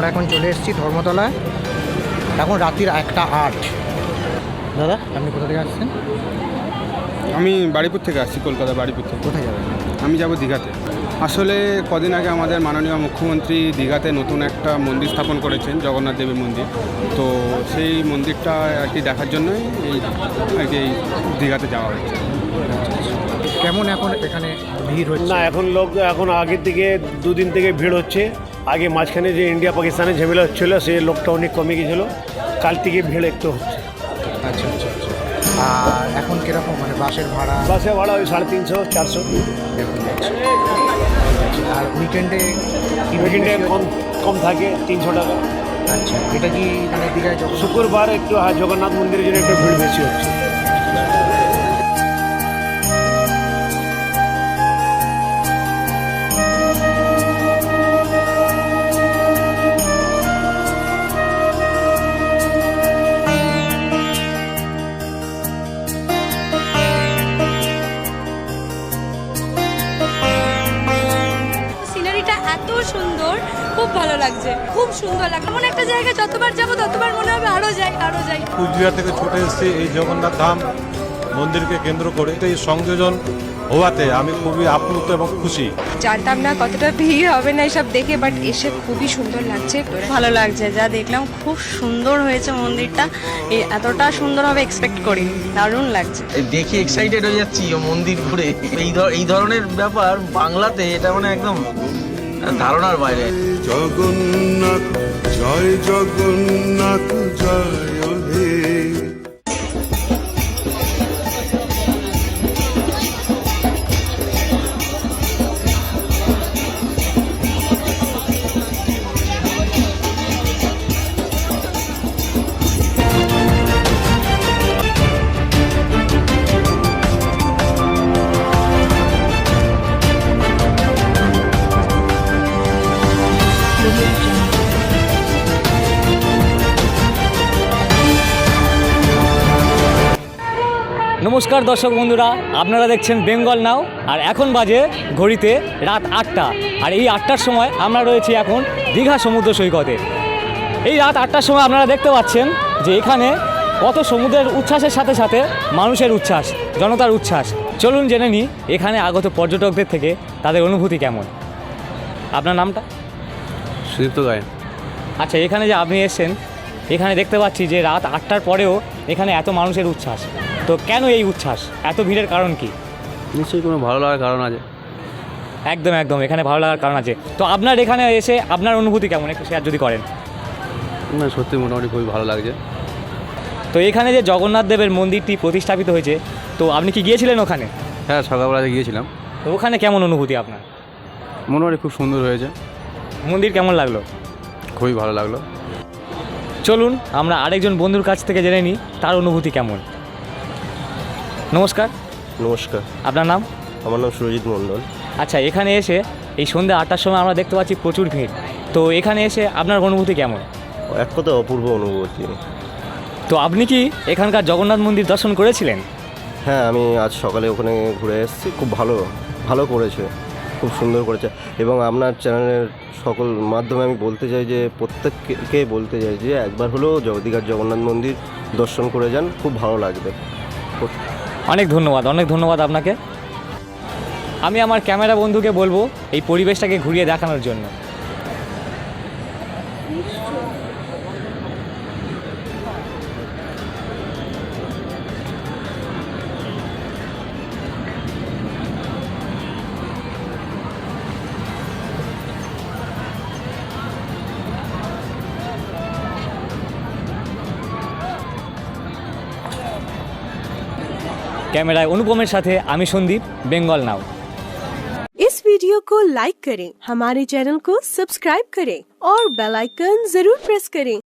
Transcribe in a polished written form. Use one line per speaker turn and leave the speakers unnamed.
আমরা এখন চলে এসেছি ধর্মতলায়, এখন রাত্রির 1:08। দাদা আপনি কোথা থেকে আসছেন?
আমি বাড়িপুর থেকে আসছি, কলকাতা বাড়িপুর থেকে।
কোথায় যাবেন?
আমি যাব দীঘাতে। আসলে কদিন আগে আমাদের মাননীয় মুখ্যমন্ত্রী দীঘাতে নতুন একটা মন্দির স্থাপন করেছেন, জগন্নাথ দেবের মন্দির। তো সেই মন্দিরটা আর কি দেখার জন্যই এই দীঘাতে যাওয়া হয়েছে।
কেমন এখন এখানে ভিড় হচ্ছে?
না, এখন আগের থেকে দুদিন থেকে ভিড় হচ্ছে। আগে মাঝখানে যে ইন্ডিয়া পাকিস্তানের ঝামেলা হচ্ছিলো, সে লোকটা অনেক কমে গেছিলো। কাল থেকে ভিড় একটু হচ্ছে।
আচ্ছা আচ্ছা আচ্ছা। আর এখন কীরকম মানে বাসের ভাড়া?
বাসে ভাড়া ওই 350-400
এরকম আছে। আর উইকেন্ডে
কম থাকে 300 টাকা।
আচ্ছা, এটা কি মানে দীঘায়
শুক্রবার একটু জগন্নাথ মন্দিরের জন্য একটু ভিড় বেশি হচ্ছে।
এত সুন্দর, খুব ভালো লাগছে, খুব সুন্দর লাগছে। এমন একটা জায়গা যতবার যাবো ততবার মনে হবে আরো যাই।
কুচবিহার থেকে ছুটে এসেছি এই জগন্নাথ ধাম মন্দিরকে কেন্দ্র করে। এই সংযোজন হওয়াতে আমি খুবই আপ্লুত এবং খুশি।
জানতাম না কতটা ভিড় হবে না এসব দেখে, বাট এসে খুবই সুন্দর লাগছে।
ভালো লাগছে, যা দেখলাম খুব সুন্দর হয়েছে মন্দিরটা। এতটা সুন্দর হবে এক্সপেক্ট করিনি, দারুণ লাগছে।
দেখি এক্সাইটেড হয়ে যাচ্ছি মন্দির ঘুরে। এই ধরনের ব্যাপার বাংলাতে এটা মানে একদম ধারণার বাইরে।
জগন্নাথ জয় জগন্নাথ জয় হে।
নমস্কার দর্শক বন্ধুরা, আপনারা দেখছেন বেঙ্গল নাও। আর এখন বাজে ঘড়িতে রাত 8টা। আর এই 8টার সময় আমরা রয়েছি এখন দীঘা সমুদ্র সৈকতে। এই রাত 8টার সময় আপনারা দেখতে পাচ্ছেন যে এখানে কত সমুদ্রের উচ্ছ্বাসের সাথে সাথে মানুষের উচ্ছ্বাস, জনতার উচ্ছ্বাস। চলুন জেনে নিই এখানে আগত পর্যটকদের থেকে তাদের অনুভূতি কেমন। আপনার নামটা?
সুদীপ্ত গায়ে।
আচ্ছা, এখানে যে আপনি এসেছেন, এখানে দেখতে পাচ্ছি যে রাত 8টার পরেও এখানে এত মানুষের উচ্ছ্বাস। তো কেন এই উচ্ছ্বাস, এত ভিড়ের কারণ কি?
নিশ্চয়ই কোনো ভালো লাগার কারণ আছে।
একদম একদম, এখানে ভালো লাগার কারণ আছে। তো আপনার এখানে এসে আপনার অনুভূতি কেমন, একটু শেয়ার যদি করেন।
না, সত্যি মোটামুটি খুবই ভালো লাগছে।
তো এখানে যে জগন্নাথ দেবের মন্দিরটি প্রতিস্থাপিত হয়েছে, তো আপনি কি গিয়েছিলেন ওখানে?
হ্যাঁ, সকালবেলাতে গিয়েছিলাম।
তো ওখানে কেমন অনুভূতি আপনার?
মোটামুটি খুব সুন্দর হয়েছে।
মন্দির কেমন লাগলো?
খুবই ভালো লাগলো।
চলুন আমরা আরেকজন বন্ধুর কাছ থেকে জেনে নিই তার অনুভূতি কেমন। নমস্কার।
নমস্কার।
আপনার নাম?
আমার নাম সুরজিৎ মণ্ডল।
আচ্ছা, এখানে এসে এই সন্ধ্যা 8টার সময় আমরা দেখতে পাচ্ছি প্রচুর ভিড়। তো এখানে এসে আপনার অনুভূতি কেমন?
এক কথা অপূর্ব অনুভূতি।
তো আপনি কি এখানকার জগন্নাথ মন্দির দর্শন করেছিলেন?
হ্যাঁ, আমি আজ সকালে ওখানে ঘুরে এসেছি। খুব ভালো করেছে, খুব সুন্দর করেছে। এবং আপনার চ্যানেলের সকল মাধ্যমে আমি বলতে চাই যে প্রত্যেককে বলতে চাই যে একবার হলেও দীঘার জগন্নাথ মন্দির দর্শন করে যান, খুব ভালো লাগবে।
অনেক ধন্যবাদ আপনাকে। আমি আমার ক্যামেরা বন্ধুকে বলবো এই পরিবেশটাকে ঘুরিয়ে দেখানোর জন্য। कैमरा अनुपमेर साथे आमी संदीप, बेंगल नाउ।
इस वीडियो को लाइक करें, हमारे चैनल को सब्सक्राइब करें और बेल आइकन जरूर प्रेस करें